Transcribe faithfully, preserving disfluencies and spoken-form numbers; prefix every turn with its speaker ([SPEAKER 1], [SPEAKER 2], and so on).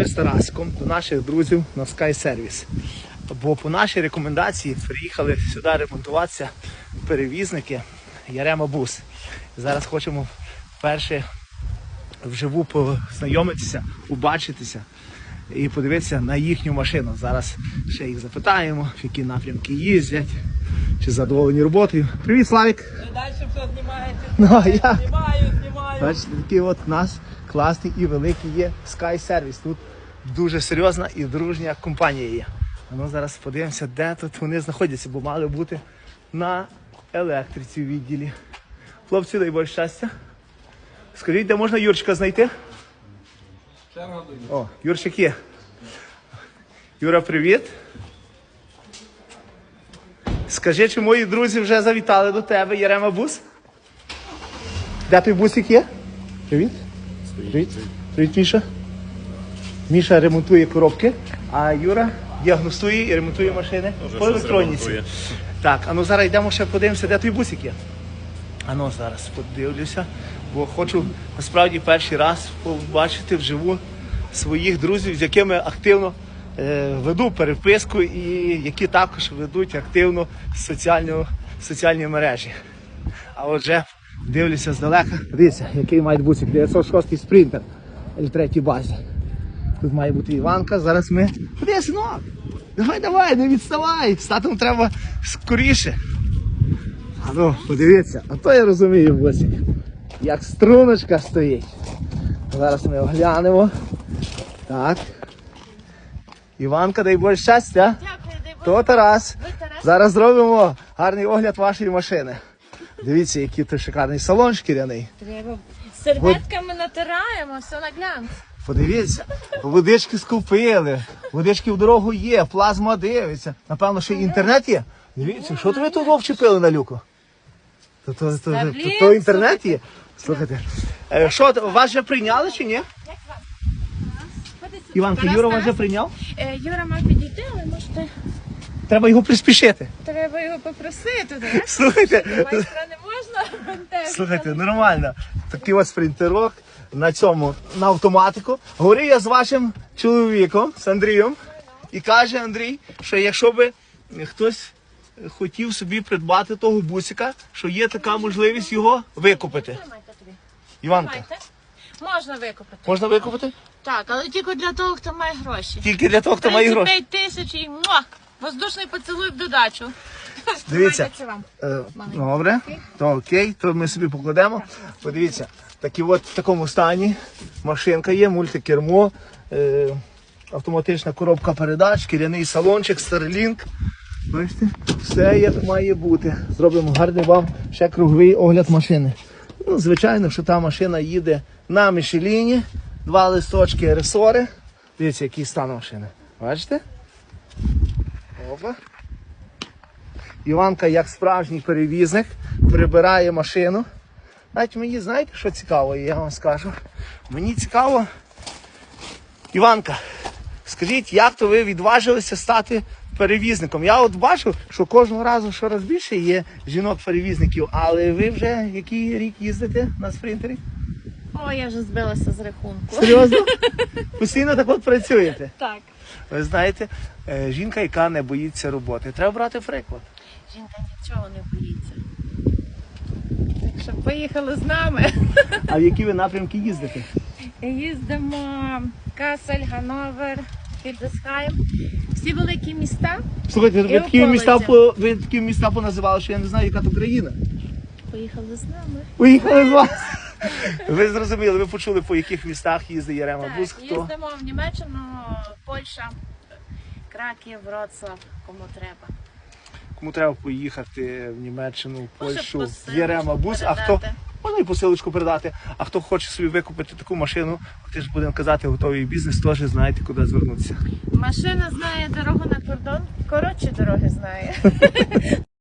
[SPEAKER 1] з Тарасиком до наших друзів на Sky Service. Бо по нашій рекомендації приїхали сюди ремонтуватися перевізники Ярема Бус. Зараз хочемо вперше вживу познайомитися, побачитися і подивитися на їхню машину. Зараз ще їх запитаємо, в які напрямки їздять, чи задоволені роботою. Привіт, Славік!
[SPEAKER 2] Далі все знімаєте,
[SPEAKER 1] Ну, а я...
[SPEAKER 2] знімаю, знімаю.
[SPEAKER 1] Бачите, такий от у нас класний і великий є Sky Service. Тут дуже серйозна і дружня компанія є. А ну зараз подивимося, де тут вони знаходяться, бо мали бути на електриці в відділі. Хлопці, дай Боже щастя. Скажіть, де можна Юрчика знайти? О, Юрчик є. Юра, привіт. Скажи, чи мої друзі вже завітали до тебе, Ярема Бус? Де той бусик є? Привіт. Привіт. Привіт, Міша. Міша ремонтує коробки, а Юра діагностує і ремонтує машини по електроніці. Так, а ну зараз йдемо ще подивимося, де той бусик є. А ну зараз подивлюся, бо хочу насправді перший раз побачити вживу своїх друзів, з якими активно е, веду переписку і які також ведуть активно соціальну, соціальні мережі. А отже, дивлюся здалека. Дивіться, який має бусик, дев'ятсот шостий спринтер ель три базі. Тут має бути Іванка, зараз ми... Ходи, синок! Давай, давай, не відставай! З татом треба скоріше. А ну, подивіться, а то я розумію, бусик, як струночка стоїть. Зараз ми оглянемо. Так. Іванка, дай Боже щастя.
[SPEAKER 3] Дякую, дай Боже.
[SPEAKER 1] То Тарас.
[SPEAKER 3] Ви Тарас?
[SPEAKER 1] Зараз зробимо гарний огляд вашої машини. Дивіться, який тут шикарний салон шкіряний.
[SPEAKER 3] Треба серветками натираємо, все на глянц.
[SPEAKER 1] Подивіться, водички скупили, водички в дорогу є, плазма дивиться. Напевно, ще й інтернет є. Дивіться, що то ви тут вчепили на люку? То, то, то, то, то, то інтернет є? Слухайте, е, що, вас вже прийняли чи ні?
[SPEAKER 3] Як вам? Ходи сюди.
[SPEAKER 1] Іванка,
[SPEAKER 3] Тарас,
[SPEAKER 1] Юра вас
[SPEAKER 3] Тарас.
[SPEAKER 1] вже прийняв?
[SPEAKER 3] Е, Юра мав підійти, але можете...
[SPEAKER 1] Треба його приспішити.
[SPEAKER 3] Треба його попросити, так?
[SPEAKER 1] Слухайте,
[SPEAKER 3] Майстра не можна бентежити.
[SPEAKER 1] слухайте, нормально. Такий ось спринтерок на цьому, на автоматику. Говорив я з вашим чоловіком, з Андрієм, і каже Андрій, що якщо би хтось хотів собі придбати того бусика, що є така можливість його викупити.
[SPEAKER 3] Тримайте тобі.
[SPEAKER 1] Іванка,
[SPEAKER 3] Тримайте. Можна викупити.
[SPEAKER 1] можна викупити?
[SPEAKER 3] Так, але тільки для того, хто має гроші.
[SPEAKER 1] Тільки для того, хто має гроші.
[SPEAKER 3] тридцять п'ять тисяч і муа, воздушний поцілуй в додачу.
[SPEAKER 1] Дивіться,
[SPEAKER 3] Тримайте це вам.
[SPEAKER 1] е, добре, то окей, то ми собі покладемо. Подивіться, такі от в такому стані машинка є, мультикермо, е, автоматична коробка передач, шкіряний салончик, Starlink. Бачите, все як має бути. Зробимо гарний вам ще круговий огляд машини. Ну, звичайно, що та машина їде на Мішеліні, два листочки ресори. Дивіться, який стан машини. Бачите? Опа. Іванка, як справжній перевізник, прибирає машину. Навіть мені, знаєте, що цікаво, я вам скажу. Мені цікаво, Іванка, скажіть, як то ви відважилися стати перевізником? Я от бачу, що кожного разу щораз більше є жінок-перевізників, але ви вже який рік їздите на спринтері?
[SPEAKER 3] О, я вже збилася з рахунку.
[SPEAKER 1] Серйозно? Постійно так от працюєте?
[SPEAKER 3] Так.
[SPEAKER 1] Ви знаєте, е, жінка, яка не боїться роботи. Треба брати приклад.
[SPEAKER 3] Жінка нічого не боїться. Так що поїхали з нами.
[SPEAKER 1] А в які ви напрямки їздите?
[SPEAKER 3] Їздимо Касель, Ганновер, Хільдесхайм. Всі великі міста.
[SPEAKER 1] Слухайте, ви
[SPEAKER 3] І
[SPEAKER 1] такі,
[SPEAKER 3] околиці.
[SPEAKER 1] міста, по- ви такі міста поназивали, що я не знаю, яка то країна.
[SPEAKER 3] Поїхали з нами.
[SPEAKER 1] Уїхали з вас. Ви зрозуміли, ви почули, по яких містах їздить Ярема Бус,
[SPEAKER 3] Так,
[SPEAKER 1] хто?
[SPEAKER 3] їздимо в Німеччину, Польща, Краків, Вроцлав, кому треба.
[SPEAKER 1] Кому треба поїхати в Німеччину, в
[SPEAKER 3] Може,
[SPEAKER 1] Польщу,
[SPEAKER 3] посилочку
[SPEAKER 1] з Ярема Бус, а хто
[SPEAKER 3] передати.
[SPEAKER 1] можна і посилочку передати, а хто хоче собі викупити таку машину, ти ж будемо казати, готовий бізнес, теж знаєте, куди звернутися.
[SPEAKER 3] Машина знає дорогу на кордон, коротші дороги знає.